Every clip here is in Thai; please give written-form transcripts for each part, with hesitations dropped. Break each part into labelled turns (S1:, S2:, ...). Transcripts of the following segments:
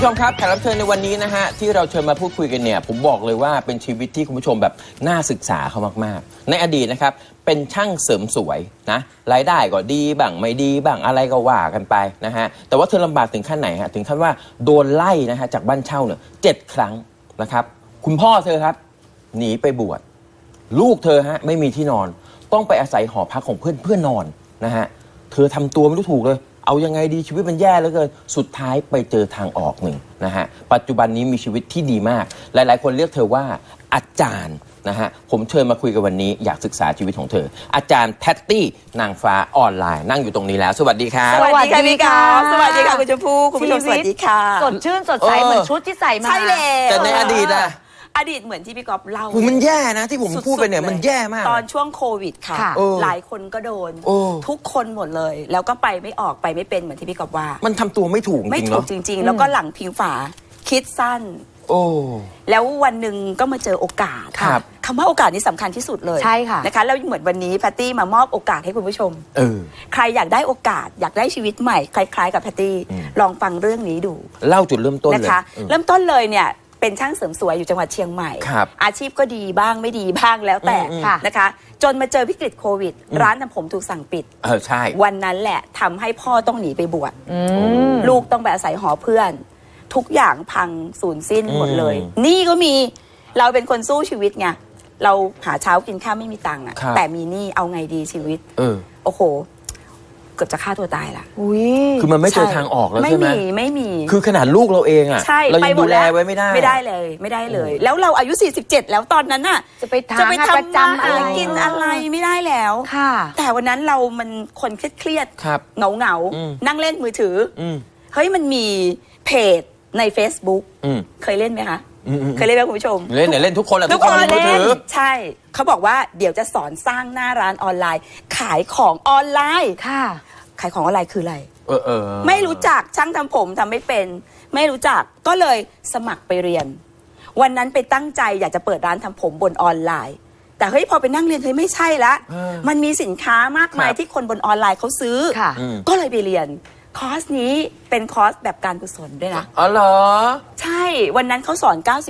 S1: ชมครับแขกรับเชิญในวันนี้นะฮะที่เราเชิญมาพูดคุยกันเนี่ยผมบอกเลยว่าเป็นชีวิตที่คุณผู้ชมแบบน่าศึกษาเขามากๆในอดีตนะครับเป็นช่างเสริมสวยนะรายได้ก็ดีบ้างไม่ดีบ้างอะไรก็ว่ากันไปนะฮะแต่ว่าเธอลำบากถึงขั้นไหนฮะถึงขั้นว่าโดนไล่นะฮะจากบ้านเช่าเนี่ย7 ครั้งนะครับคุณพ่อเธอครับหนีไปบวชลูกเธอฮะไม่มีที่นอนต้องไปอาศัยหอพักของเพื่อนนอนนะฮะเธอทำตัวไม่รู้ถูกเลยเอายังไงดีชีวิตมันแย่เหลือเกินสุดท้ายไปเจอทางออกหนึ่งนะฮะปัจจุบันนี้มีชีวิตที่ดีมากหลายๆคนเรียกเธอว่าอาจารย์นะฮะผมเชิญมาคุยกันวันนี้อยากศึกษาชีวิตของเธออาจารย์แพตตี้นางฟ้าออนไลน์นั่งอยู่ตรงนี้แล้วสวัสดีครับ
S2: สวัสดีค่ะพี่กอล์ฟสวัสดีค่ะคุณชมพู่คุณผู้ชมสวัสดีค่ะ
S3: สดชื่นสดใสเหมือนชุดที่ใส่มา
S2: ใช่แล้ว
S1: แต่ในอดีตอะ
S2: อดีตเหมือนที่พี่กอล์ฟเล่า
S1: มันแย่นะที่ผมพูดไปเนี่ยมันแย่มาก
S2: ตอนช่วงโควิดค่ะหลายคนก็โดนทุกคนหมดเลยแล้วก็ไปไม่ออกไปไม่เป็นเหมือนที่พี่กอล์ฟว่า
S1: มันทำตัวไม่ถูกจริงๆ
S2: ไม่ถูกจริงๆแล้วก็หลังพิงฝาคิดสั้นแล้ววันหนึ่งก็มาเจอโอกาสคำว่าโอกาสนี้สำคัญที่สุดเลย
S3: ใช่ค่ะ
S2: นะคะแล้วเหมือนวันนี้แพตตี้มามอบโอกาสให้คุณผู้ชมใครอยากได้โอกาสอยากได้ชีวิตใหม่คล้ายๆกับแพตตี้ลองฟังเรื่องนี้ดู
S1: เล่าจุดเริ่มต้นเลย
S2: นะคะเริ่มต้นเลยเนี่ยเป็นช่างเสริมสวยอยู่จังหวัดเชียงใหม่อาชีพก็ดีบ้างไม่ดีบ้างแล้วแต่นะคะจนมาเจอวิกฤตโควิดร้านทำผมถูกสั่งปิด
S1: ใช่
S2: วันนั้นแหละทำให้พ่อต้องหนีไปบวชลูกต้องไปอาศัยหอเพื่อนทุกอย่างพังสูญสิ้นหมดเลยนี่ก็มีเราเป็นคนสู้ชีวิตไงเราหาเช้ากินข้าวไม่มีตังค์อะแต่มีนี่เอาไงดีชีวิตโอ้โหเกือบจะฆ่าตัวตายละ
S1: คือมันไม่เจอทางออกแล้วใช่ไหม
S2: ไม่มี
S1: คือขนาดลูกเราเองอะเรายังดูแลไว้ไม่
S2: ได้เลยแล้วเราอายุ47แล้วตอนนั้นน่ะ
S3: จะไปทำประจำอะไร
S2: กินอะไรไม่ได้แล้วแต่วันนั้นเรามันคนเครียดเหงานั่งเล่นมือถือเฮ้ยมันมีเพจใน Facebook เคยเล่นไหมคะเคยเล่นไหมคุณผู้ชม
S1: เล่นเนี่ยเล่นทุกคนแหละ
S2: ทุกคนเล่นใช่เขาบอกว่าเดี๋ยวจะสอนสร้างหน้าร้านออนไลน์ขายของออนไลน์ขายของออนไลน์คืออะไรไม่รู้จักช่างทำผมทำไม่เป็นไม่รู้จักก็เลยสมัครไปเรียนวันนั้นไปตั้งใจอยากจะเปิดร้านทำผมบนออนไลน์แต่เฮ้ยพอไปนั่งเรียนเฮ้ยไม่ใช่ละมันมีสินค้ามากมายที่คนบนออนไลน์เขาซื้อก็เลยไปเรียนคอร์สนี้เป็นคอร์สแบบการกุศลด้วยนะ
S1: อ๋อเหรอ
S2: ใช่วันนั้นเขาสอน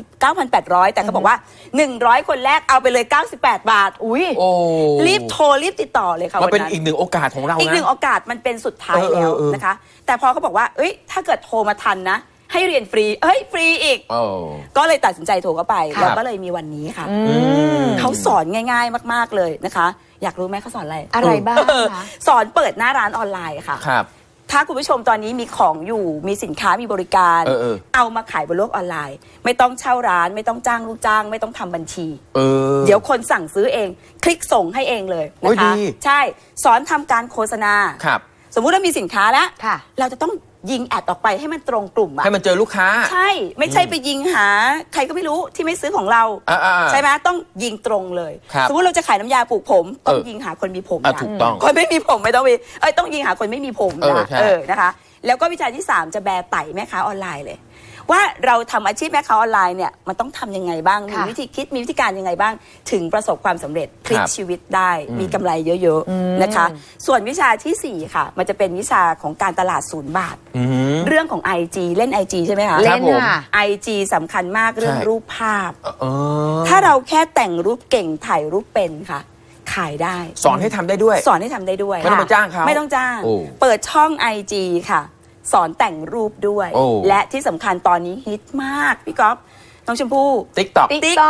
S2: 99,800 แต่เขาบอกว่า100คนแรกเอาไปเลย98 บาทอุ้ยรีบโทรรีบติดต่อเลยค่ะ
S1: มันเป็นอีกหนึ่งโอกาสของเรานะ
S2: อีกหนึ่งโอกาสมันเป็นสุดท้ายแล้วนะคะแต่พอเขาบอกว่าเอ้ยถ้าเกิดโทรมาทันนะให้เรียนฟรีฟรีอีกก็เลยตัดสินใจโทรเข้าไปแล้วก็เลยมีวันนี้ค่ะเขาสอนง่ายๆมากๆเลยนะคะอยากรู้ไหมเขาสอนอะไร
S3: บ้างคะ
S2: สอนเปิดหน้าร้านออนไลน์ค่ะถ้าคุณผู้ชมตอนนี้มีของอยู่มีสินค้ามีบริการเอามาขายบนโลกออนไลน์ไม่ต้องเช่าร้านไม่ต้องจ้างลูกจ้างไม่ต้องทำบัญชีเดี๋ยวคนสั่งซื้อเองคลิกส่งให้เองเลยนะคะใช่สอนทำการโฆษณาสมมุติเรามีสินค้าแล้วเราจะต้องยิงแอดออกไปให้มันตรงกลุ่ม
S1: ให้มันเจอลูกค้า
S2: ใช่ไม่ใช่ไปยิงหาใครก็ไม่รู้ที่ไม่ซื้อของเราใช่ไหมต้องยิงตรงเลยสมมติเราจะขายน้ำยาปลูกผมต้องยิงหาคนมีผมนะคนไม่มีผมไม่ต้องมีต้องยิงหาคนไม่มีผมนะนะคะแล้วก็วิชาที่3จะแบร์ไต่แม่ค้าออนไลน์เลยว่าเราทำอาชีพแม่ค้าออนไลน์เนี่ยมันต้องทำยังไงบ้างมีวิธีคิดมีวิธีการยังไงบ้างถึงประสบความสำเร็จพลิกชีวิตได้มีกำไรเยอะๆนะคะส่วนวิชาที่4ค่ะมันจะเป็นวิชาของการตลาด0 บาทเรื่องของ IG เล่น IG ใช่ไหมคะ
S3: เล่นค่ะ
S2: IG สำคัญมากเรื่องรูปภาพถ้าเราแค่แต่งรูปเก่งถ่ายรูปเป็นค่ะขายได้
S1: สอนให้ทำได้ด้วย
S2: สอนให้ทำได้ด้วย
S1: ไม่ต้องไปจ้างเขา
S2: ไม่ต้องจ้างเปิดช่อง IG ค่ะสอนแต่งรูปด้วยและที่สำคัญตอนนี้ฮิตมากพี่ก๊อฟน้องชมพู่
S1: TikTok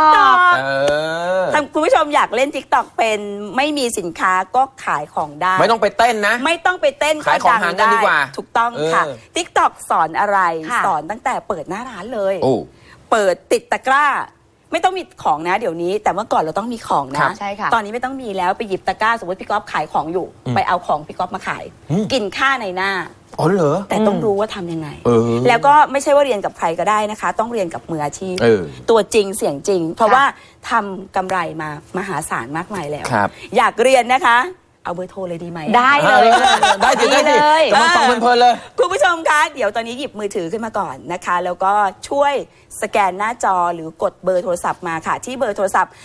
S2: คุณผู้ชมอยากเล่น TikTok เป็นไม่มีสินค้าก็ขายของได้
S1: ไม่ต้องไปเต้นนะ
S2: ไม่ต้องไปเต้น
S1: ขายของหากันดีกว่า
S2: ถูกต้องค่ะ TikTok สอนอะไรสอนตั้งแต่เปิดหน้าร้านเลยเปิดติดตะกร้าไม่ต้องมีของนะเดี๋ยวนี้แต่เมื่อก่อนเราต้องมีของนะ
S3: ใช่ค่ะ
S2: ตอนนี้ไม่ต้องมีแล้วไปหยิบตะกร้าสมมติพี่ก๊อฟขายของอยู่ไปเอาของพี่ก๊อฟมาขายกินค่าในหน้า
S1: อ๋อเหรอ
S2: แต่ต้องรู้ว่าทำยังไงแล้วก็ไม่ใช่ว่าเรียนกับใครก็ได้นะคะต้องเรียนกับมืออาชีพตัวจริงเสียงจริงเพราะว่าทำกำไรมามหาศาลมากมายแล้วอยากเรียนนะคะเอาเบอร์โทรเลยดีไหม
S3: ได้เลย
S1: ได้เลยจะมาฟังเพลินเลย
S2: คุณผู้ชมคะเดี๋ยวตอนนี้หยิบมือถือขึ้นมาก่อนนะคะแล้วก็ช่วยสแกนหน้าจอหรือกดเบอร์โทรศัพท์มาค่ะที่เบอร์โทรศัพท์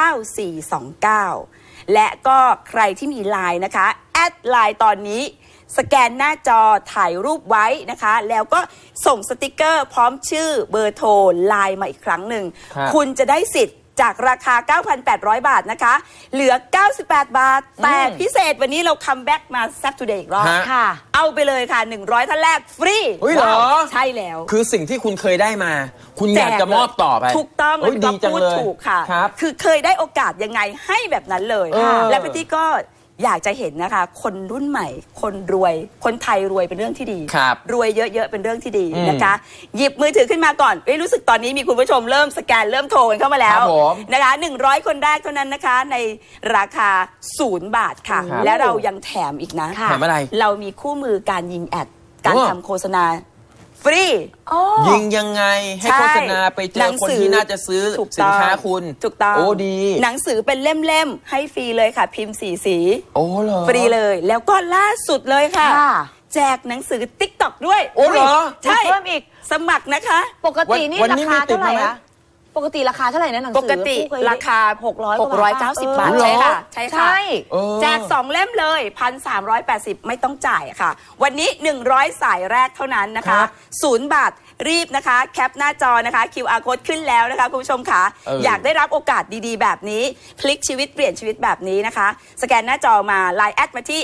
S2: 0622239429และก็ใครที่มีไลน์นะคะแอดไลน์ตอนนี้สแกนหน้าจอถ่ายรูปไว้นะคะแล้วก็ส่งสติกเกอร์พร้อมชื่อเบอร์โทรไลน์มาอีกครั้งหนึ่ง คุณจะได้สิทธิ์จากราคา 9,800 บาทนะคะเหลือ 98 บาท แต่พิเศษวันนี้เราคัมแบ็กมาแซ่บทูเดย์อีกรอบ
S3: ค่ะ
S2: เอาไปเลยค่ะ 100 ท่านแรกฟรี
S1: เฮ้ยเหรอ
S2: ใช่แล้ว
S1: คือสิ่งที่คุณเคยได้มา คุณอยากจะมอบต่อไป
S2: ถูกต้อง
S1: เฮ้ยดีจัง
S2: พูด
S1: เลย
S2: ถูกค่ะ
S1: ครับ
S2: คือเคยได้โอกาสยังไงให้แบบนั้นเลย และพี่ตี้ก็อยากจะเห็นนะคะ คนรุ่นใหม่ คนรวย คนไทยรวยเป็นเรื่องที่ดี
S1: ครับ
S2: รวยเยอะๆเป็นเรื่องที่ดีนะคะ หยิบมือถือขึ้นมาก่อนรู้สึกตอนนี้มีคุณผู้ชมเริ่มสแกนเริ่มโทรกันเข้ามาแล้
S1: คว รับผม
S2: นะคะ100 คนแรกเท่านั้นนะคะในราคา0 บาทค่ะ
S1: ครับ
S2: และเรายังแถมอีกนะ
S1: แถมอะไร
S2: เรามีคู่มือการยิงแอดการ
S1: โอ้
S2: ทำโฆษณาฟรี
S1: ยิงยังไงให้โฆษณาไปเจ
S2: หนั
S1: อง คน
S2: สือ
S1: ที่น่าจะซื้อ
S2: ถูก
S1: สินค้า
S2: ต้อง
S1: คุณ
S2: ถูกต้อง
S1: โอ้ดี
S2: หนังสือเป็นเล่มๆให้ฟรีเลยค่ะ พิมพ์สี
S1: โอ้เหรอ
S2: ฟรีเลย แล้วก็ล่าสุดเลยค่ะ
S3: ค่ะ
S2: แจกหนังสือ TikTok ด้วย
S1: โอ้เหรอ
S2: ใช่
S3: เพิ่มอีก
S2: สมัครนะคะ
S3: ปกตินี่
S1: วัน
S3: รา
S1: นี้
S3: คา
S1: มีติด
S3: เท่าไหร่
S1: มาไหม
S3: อะปกติราคาเท่าไหร่นะหนังสือ
S2: ปกติ
S3: ผู้เคย
S2: ราคา
S3: 690
S2: บาท
S1: เหรอ
S2: ใช่ค่ะ ใช่ค่ะ
S3: ใช่
S2: แจก 2 เล่มเลย 1,380 ไม่ต้องจ่ายค่ะ วันนี้ 100 สายแรกเท่านั้นนะ
S1: ครั
S2: คะ
S1: บ
S2: 0 บาทรีบนะคะ แคปหน้าจอนะคะ QR code ขึ้นแล้วนะคะคุณผู้ชมค่ะ อยากได้รับโอกาสดีๆ แบบนี้ พลิกชีวิตเปลี่ยนชีวิตแบบนี้นะคะ สแกนหน้าจอมา Line แอดมาที่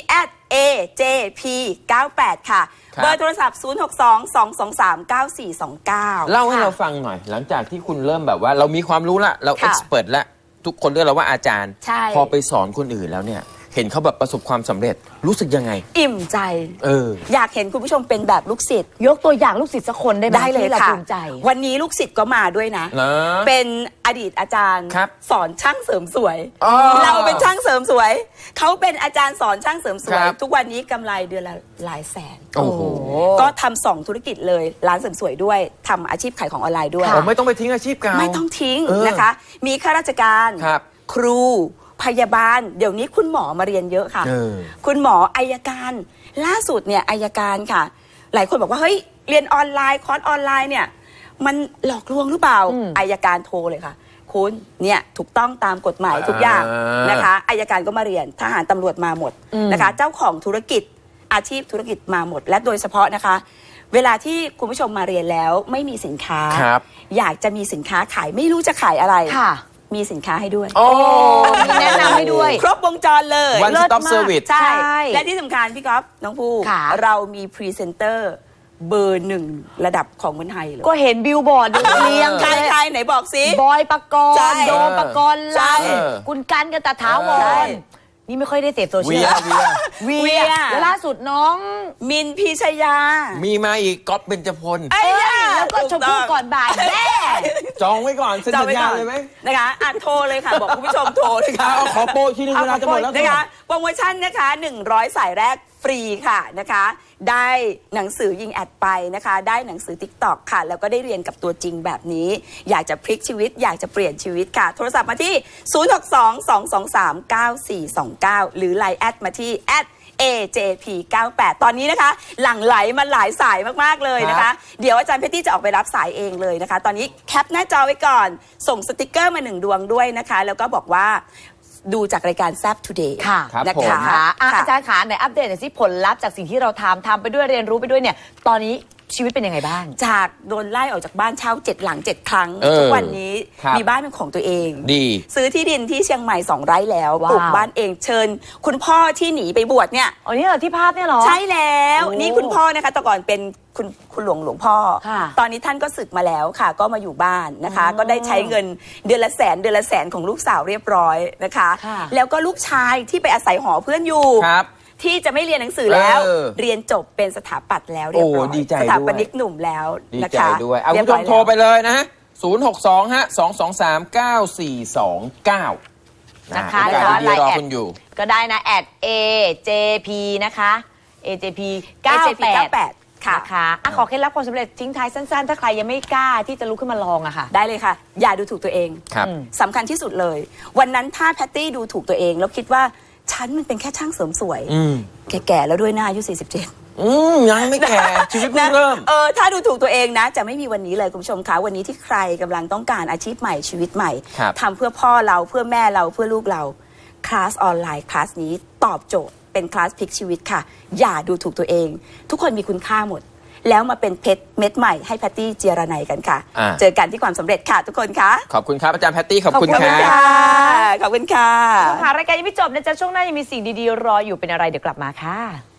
S2: @AJP98 ค่ะ
S1: ครับ
S2: เบอร์โทรศัพท์ 062-223-9429
S1: เล่าให้เราฟังหน่อย หลังจากที่คุณเริ่มแบบว่าเรามีความรู้ละเรา
S2: ค่ะ
S1: เอ็กซ์เพรสละทุกคนเรียกเราว่าอาจารย์
S2: ใช่
S1: พอไปสอนคนอื่นแล้วเนี่ย เห็นเขาแบบประสบความสำเร็จรู้สึกยังไง
S2: อิ่มใจ อยากเห็นคุณผู้ชมเป็นแบบลูกศิษย์
S3: ยกตัวอย่างลูกศิษย์สักคนได้ไหม
S2: ได้เลย
S3: ที่เรา
S2: ค่ะ
S3: ภูมิใจ
S2: วันนี้ลูกศิษย์ก็มาด้วยนะ
S1: นะ
S2: เป็นอดีตอาจารย์
S1: ครับ
S2: สอนช่างเสริมสวย
S1: อ๋อ
S2: เราเป็นช่างเสริมสวย เขาเป็นอาจารย์สอนช่างเสริมสวย
S1: ครับ
S2: ทุกวันนี้กำไรเดือนละหลายแสน
S1: โอ้โห
S2: ก็ทำ2 ธุรกิจเลย ร้านเสริมสวยด้วยทำอาชีพขายของออนไลน์ด้วย
S1: ผมไม่ต้องไปทิ้งอาชีพเก่า
S2: ไม่ต้องทิ้ง
S1: เออ
S2: นะคะ มีข้าราชการ
S1: ครับ
S2: ครูพยาบาล เดี๋ยวนี้คุณหมอมาเรียนเยอะค่ะ
S1: เออ
S2: คุณหมออัยการ ล่าสุดเนี่ยอัยการค่ะ หลายคนบอกว่าเฮ้ยเรียนออนไลน์คอร์สออนไลน์เนี่ยมันหลอกลวงหรือเปล่าอัยการโทรเลยค่ะ คุณเนี่ยถูกต้องตามกฎหมายทุกอย่างนะคะอัยการก็มาเรียนทหารตำรวจมาหมดนะคะ เจ้าของธุรกิจอาชีพธุรกิจมาหมด และโดยเฉพาะนะคะ เวลาที่คุณผู้ชมมาเรียนแล้วไม่มีสินค้า
S1: ครับ
S2: อยากจะมีสินค้าขายไม่รู้จะขายอะไร
S3: ค่ะ
S2: มีสินค้าให้ด้วย
S1: โอ้
S3: มีแนะนำให้ด้วย
S2: ครบวงจรเลย
S1: One
S2: เลิศ
S1: stop
S2: มาก
S1: service
S2: ใช่
S3: ใช่
S2: และที่สำคัญพี่ก๊อฟน้องผู้
S3: ค่ะ
S2: เรามีพรีเซนเตอร์เบอร์ 1 ระดับของเมืองไทยเลย
S3: ก็เห็นบิลบอร์ดอยู่เรียง
S2: ใคร
S3: เลย
S2: ใครไหนบอกสิ
S3: บอยปกร
S2: ใช่
S3: ณ์โดมปกรณ์
S2: ใช่
S3: ลำคุณกันกันตะถาว
S2: ใช่
S3: รนี่ไม่ค่อยได้เสพโซเชี
S1: เวี
S3: ย
S1: ย
S3: ล
S1: เวีย
S3: เวียแล้วล่าสุดน้อง
S2: มินพีชยา
S1: มีมาอีกก๊อฟเบญจพล
S2: ไอ้ย่า
S3: แล้วก็ชมพู่ก่อนบ่ายแม่
S1: จองไว้ก่อนเซ็น
S2: จำ
S1: สัญ
S2: ไว้
S1: ญา
S2: ก่อน
S1: เลยไหม
S2: นะคะโทรเลยค่ะ บอกคุณผู้ชมโทรเลยค่ะ
S1: เอาขอโปรอีกทีนึงเวลาจะหมดแล้ว
S2: นะคะโปรโมชั่นนะคะ100 สายแรกฟรีค่ะนะคะ ได้หนังสือยิงแอดไปนะคะ ได้หนังสือ TikTok ค่ะ แล้วก็ได้เรียนกับตัวจริงแบบนี้ อยากจะพลิกชีวิต อยากจะเปลี่ยนชีวิตค่ะ โทรศัพท์มาที่ 062-223-9429 หรือ Line แอดมาที่@AJP98 ตอนนี้นะคะ หลั่งไหลมาหลายสายมากๆเลยนะ
S1: ครั
S2: คะ
S1: บ
S2: เดี๋ยวอาจารย์เพชรตี้จะออกไปรับสายเองเลยนะคะ ตอนนี้แคปหน้าจอไว้ก่อน ส่งสติกเกอร์มา1 ดวงด้วยนะคะ แล้วก็บอกว่าดูจากรายการแซฟทูเดย์
S3: ค่ะ
S1: ครับ
S2: นะ
S1: ผม
S2: คะ
S3: ค่ะอ่ะ
S2: ค่ะ
S3: อาจารย์ขาไหนอัปเดตหน่อยสิผลลัพธ์จากสิ่งที่เราทำไปด้วยเรียนรู้ไปด้วยเนี่ย ตอนนี้ชีวิตเป็นยังไงบ้าง
S2: จากโดนไล่ออกจากบ้านเช่า7 หลัง 7 ครั้ง ทุกวันนี้
S1: ครับ
S2: มีบ้านเป็นของตัวเอง
S1: ดี
S2: ซื้อที่ดินที่เชียงใหม่ 2 ไร่แล้ว
S3: ว้าว
S2: ปลูกบ้านเองเชิญ คุณพ่อที่หนีไปบวชเนี่ย
S3: อ๋อนี่เหรอที่ภาพเนี่ยเหรอ
S2: ใช่แล้ว
S3: โอ้
S2: นี่คุณพ่อนะคะแต่ก่อนเป็นคุณหลวงพ่อ
S3: ค่ะ
S2: ตอนนี้ท่านก็ศึกมาแล้วค่ะ ก็มาอยู่บ้านนะคะ ก็ได้ใช้เงินเดือนละแสนของลูกสาวเรียบร้อยนะคะ
S3: ค่ะ
S2: แล้วก็ลูกชายที่ไปอาศัยหอเพื่อนอยู่
S1: ครับ
S2: ที่จะไม่เรียนหนังสือแล้ว
S1: เ
S2: เรียนจบเป็นสถาปัตย์แล้วเรียบร้อย
S1: โอ้ดีใจ
S2: สถาป
S1: ด้วย
S2: นิกหนุ่มแล้ว
S1: ดี
S2: นะ
S1: ใจ
S2: คะ
S1: ด้วยเอา
S2: เรี
S1: คุณผู้ช
S2: บ
S1: ม
S2: อย
S1: โทรไป
S2: แล้ว
S1: เลยนะฮะ 062 ฮะ 223-9429
S3: นะคะ
S1: โอกาสดี
S3: แล้ว
S1: ๆรอ
S3: Line
S1: คุณอยู่
S3: ก็ได้นะ @AJP นะคะ AJP
S2: 98
S3: 98
S2: ค่ะ
S3: นะคะอ่ะขอเคล็ดลับความสำเร็จทิ้งท้ายสั้นๆ ถ้าใครยังไม่กล้าที่จะลุกขึ้นมาลองอะค่ะ
S2: ได้เลยค่ะ อย่าดูถูกตัวเอง
S1: ครับ
S2: สำคัญที่สุดเลย วันนั้นถ้าแพตตี้ดูถูกตัวเองแล้วคิดว่าฉันมันเป็นแค่ช่างเสริมสวย แก่ๆแล้วด้วยหน้าอายุ47
S1: ยังไม่แก่ ชีวิตเพิ่งเริ่ม
S2: ถ้าดูถูกตัวเองนะ จะไม่มีวันนี้เลยคุณผู้ชมคะวันนี้ที่ใครกำลังต้องการอาชีพใหม่ชีวิตใหม่
S1: ครับ
S2: ทำเพื่อพ่อเราเพื่อแม่เราเพื่อลูกเราคลาสออนไลน์คลาสนี้ตอบโจทย์เป็นคลาสพลิกชีวิตค่ะอย่าดูถูกตัวเอง ทุกคนมีคุณค่าหมด แล้วมาเป็นเพชรเม็ดใหม่ให้แพตตี้เจียรนัยกันค่ะเจอกันที่ความสำเร็จค่ะทุกคนค่ะ
S1: ขอบคุณครับอาจารย์แพตตี้ขอบคุณค่ะ
S2: ขอบคุณค่ะ
S3: รายการยังไม่จบนะจ๊ะช่วงหน้ายังมีสิ่งดีๆรออยู่เป็นอะไรเดี๋ยวกลับมาค่ะ